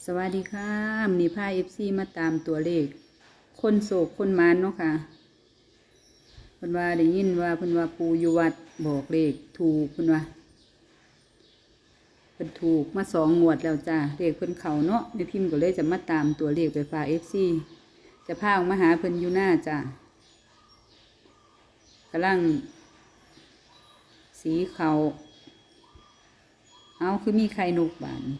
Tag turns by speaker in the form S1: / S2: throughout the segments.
S1: สวัสดีค่ะมีผ้าFCมาตามตัวเลขคนโศกคนมานเนาะค่ะเพิ่นว่าได้ยินว่าเพิ่นว่าปู่อยู่วัดบอกเลขถูกเพิ่นว่าเพิ่นถูกมา2 งวดแล้วจ้าเลขเพิ่นเข้าเนาะแม่พิมพ์ก็เลยจะมาตามตัวเลขไปฝาก FC จะพาออกมาหาเพิ่นอยู่หน้าจ้ากำลังสีเขาเอาคือมีไข่นกบาน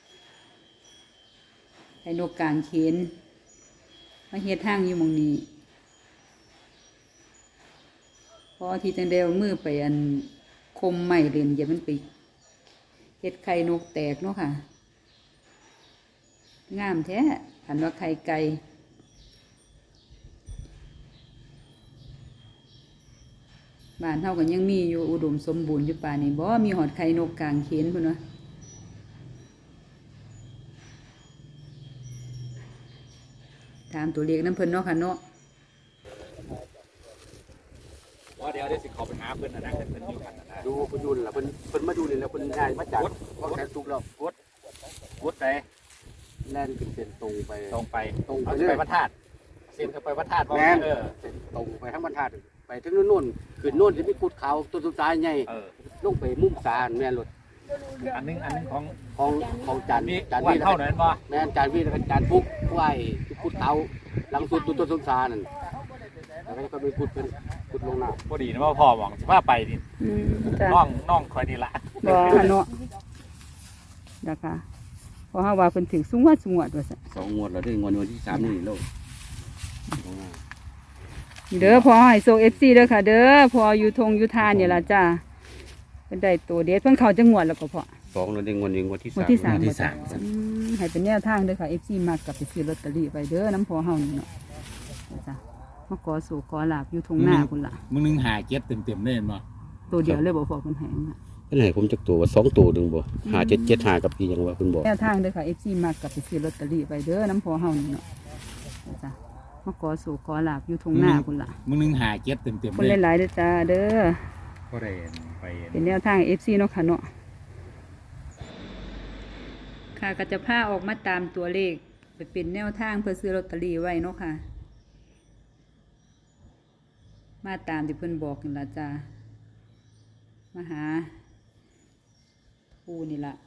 S1: ไข่นกกลางเขนมาเฮ็ดทางอยู่หม้องนี้พอที่จังเดียวมือไปอันคมไม้เล่นอย่ามันไปเฮ็ดไข่นกแตกเนาะค่ะงามแท้หันว่าไข่ไก่บ้านเฮาก็ยังมีอยู่อุดมสมบูรณ์อยู่ป่านี้บ่มีหอดไข่นกกลางเขนพุ่นวะถามตัวเลขน้ำเพิ่นเนาะค่ะเนาะ
S2: ว่าเดี๋ยวสิเขาไปหาเพิ่นนะเพิ่นอยู่กันนะ
S3: ดูเพิ่นดูล่ะเพิ่นมาดูนี่แล้วเพิ่นย้ายมาจากวัดแสนสุขแล้ว
S2: วุฒิไป
S3: แล่นขึ้นเส้นตรงไป
S2: ตรงไปไปพระธาตุเส้นเข้าไปพระธาตุ
S3: แม่นเส้นตรงไปทั้งบรรทัดไปถึงนู่นขึ้นโน่นจะมีกุดขาวต้นสุดท้ายใหญ่ลงไปมุมสารแม่นรถ
S2: อันนึง
S3: ของจาน
S2: วีเท่านั้นบ่
S3: แม่นจานวีแล้วก็จานฟุกไหว้กุดขาวหลังสุดต้นสุดท้ายนั่นแล้วก็ไปกุดเป็นกุดลงน้ำ
S2: พอดีนะว่าพ่อหวังสิพาไปนี่น้องคอยนี่ล่ะ
S1: บ่เนาะนะคะเพราะว่าเพิ่นถึงสูงวดว่าซั่น
S3: 2 งวดแล้วถึงงวดที่3นี่โลก
S1: เด้อพอให้โซ FC เด้อค่ะเด้อพออยู่ทงอยู่ทานนี่ล่ะจ้าเป็นได้ตัวเด็ดเพิ่นเข้าจังหวัดแล้วก็พอ
S3: 2แล้วถึงงวดที่3
S1: ให้เป็นแนวทางเด้อค่ะ FC มากกับไปซื้อลอตเตอรี่ไปเด้อน้ำพอเฮานี่เนาะจ้ามาขอสู่ขอลาบอยู่ทงหน้าพุ่นล่ะ
S2: มึงนึงหาเก็บเต็มๆเลยบ่
S1: ตัวเดียวเลยบ่พอเพิ่นให้มา
S3: เพิ่นให้ผมจักตัวว่า2ตัวนึงบ่5775กับอีหยังว่าเพิ่นบอก
S1: แนวทางเด้อค่ะ FC มากกับไปซื้อลอตเตอรี่ไปเด้อน้ำพอเฮานี่เนาะจ้ามาขอสู่ขอลาบอยู่ทงหน้าพุ่นล่ะ
S2: มึงนึงหาเก็บเต็มๆเลย
S1: คนหลายๆเด้อจ้าเด้อ
S2: ก็ได้ไป
S1: เป็นแนวทาง FC เนาะค่ะเนาะค่ะก็จะพาออกมาตามตัวเลขไปเป็นแนวทางเพื่อซื้อลอตเตอรี่ไว้เนาะค่ะมาตามที่เพิ่นบอกนี่ล่ะจ้ามาหาปูนี่ล่ะ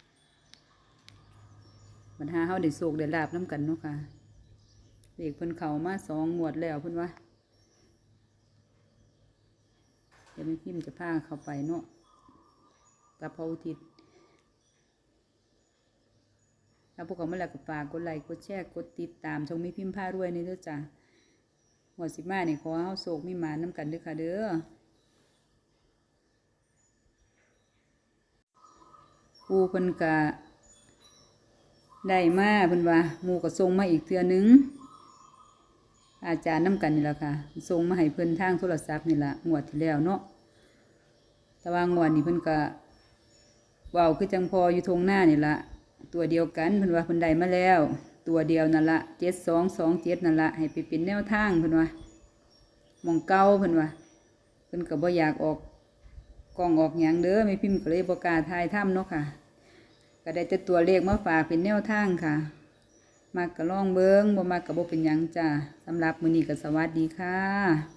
S1: บรรหาเฮาได้โศกได้ลาบน้ำกันเนาะค่ะเลขเพิ่นเข้ามา2 งวดแล้วเพิ่นว่าเดี๋ยวแม่พิมพ์จะพาเข้าไปเนาะกับพระอุทิศแล้วพวกเขามาแล้วก็ฝากกดไลค์กดแชร์กดติดตามช่องแม่พิมพ์พารวยนี่เด้อจ้ะหัว15นี่ขอเฮาโศกมีหมาน้ำกันเด้อค่ะเด้อปูเพิ่นก็ได้มาเพิ่นว่าหมู่ก็ส่งมาอีกเทื่อนึงอาจารย์น้ำกันนี่ล่ะค่ะส่งมาให้เพิ่นทางโทรศัพท์นี่ล่ะงวดที่แล้วเนาะแต่ว่างวดนี้เพิ่นก็เว้าคือจังพออยู่ทงหน้านี่ล่ะตัวเดียวกันเพิ่นว่าเพิ่นได้มาแล้วตัวเดียวนั่นละ7227นั่นละให้ไปเป็นแนวทางเพิ่นว่าหม่องเก่าเพิ่นว่าเพิ่นก็บ่อยากออกกล้องออกหยังเด้อแม่พิมพ์ก็เลยบ่กล้าถ่ายทำเนาะค่ะก็ได้แต่ตัวเลขมาฝากเป็นแนวทางค่ะมักก็ลองเบิ่งบ่มักก็บ่เป็นหยังจ้าสำหรับมื้อนี้ก็สวัสดีค่ะ